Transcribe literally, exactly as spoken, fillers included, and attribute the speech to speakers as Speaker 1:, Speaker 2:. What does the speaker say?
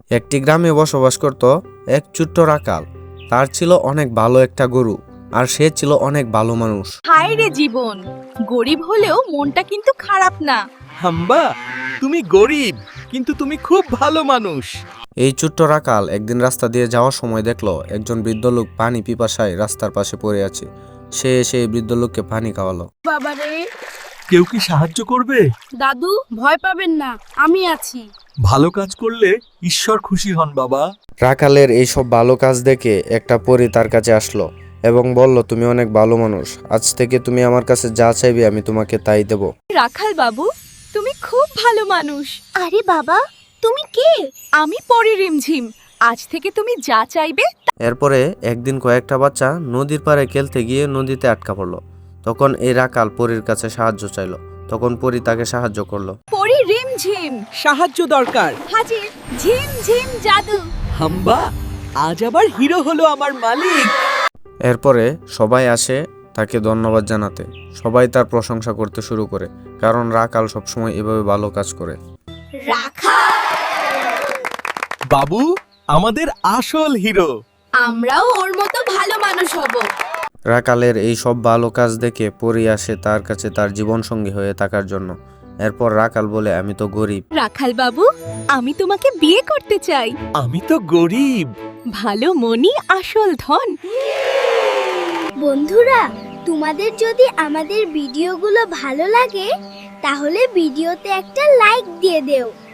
Speaker 1: একটি গ্রামে বসবাস করত এক ছোট্ট রাখাল। তার ছিল অনেক ভালো একটা গরু, আর সে ছিল অনেক ভালো মানুষ।
Speaker 2: হায় রে জীবন, গরিব হলেও মনটা কিন্তু খারাপ না।
Speaker 3: হাম্বা, তুমি গরিব কিন্তু তুমি খুব ভালো মানুষ।
Speaker 1: এই ছোট্ট রাখাল একদিন রাস্তা দিয়ে যাওয়ার সময় দেখলো একজন বৃদ্ধ লোক পানি পিপাসায় রাস্তার পাশে পড়ে আছে। সে এসে এই বৃদ্ধ লোককে পানি খাওয়ালো।
Speaker 4: বাবারে,
Speaker 3: কেউ কি সাহায্য করবে?
Speaker 4: দাদু ভয় পাবেন না, আমি আছি।
Speaker 3: ভালো কাজ করলে ঈশ্বর খুশি হন বাবা।
Speaker 1: রাখালের এইসব ভালো কাজ দেখে একটা পরী তার কাছে আসলো এবং বলল, তুমি অনেক ভালো মানুষ, আজ থেকে তুমি আমার কাছে যা চাইবে আমি তোমাকে তাই দেব।
Speaker 2: রাখাল বাবু, তুমি খুব ভালো মানুষ।
Speaker 5: আরে বাবা, তুমি কে?
Speaker 2: আমি পরি রিমঝিম, আজ থেকে তুমি যা চাইবে।
Speaker 1: এরপরে একদিন কয়েকটা বাচ্চা নদীর পাড়ে খেলতে গিয়ে নদীতে আটকা পড়লো। তখন এই রাখাল পরীর কাছে সাহায্য চাইলো। তখন পরী তাকে সাহায্য করলো।
Speaker 2: পরি রিমঝিম,
Speaker 3: সাহায্য দরকার।
Speaker 2: হাজির ঝিম ঝিম জাদু।
Speaker 3: হাম্বা, আজ আবার হিরো হলো আমার মালিক।
Speaker 1: এরপরে সবাই আসে তাকে ধন্যবাদ জানাতে। সবাই তার প্রশংসা করতে শুরু করে, কারণ রাখাল সবসময় এভাবে ভালো কাজ করে।
Speaker 3: বাবু, আমাদের আসল হিরো।
Speaker 4: আমরাও ওর মতো ভালো মানুষ হব।
Speaker 1: রাখালের এই সব ভালো কাজ দেখে পরী আসে তার কাছে তার জীবনসঙ্গী হয়ে থাকার জন্য। এরপর রাখাল বলে, আমি তো গরিব।
Speaker 2: রাখাল বাবু, আমি তোমাকে বিয়ে করতে চাই।
Speaker 3: আমি তো গরিব।
Speaker 2: ভালো মনি আসল ধন।
Speaker 5: বন্ধুরা, তোমাদের যদি আমাদের ভিডিওগুলো ভালো লাগে তাহলে ভিডিওতে একটা লাইক দিয়ে দেও।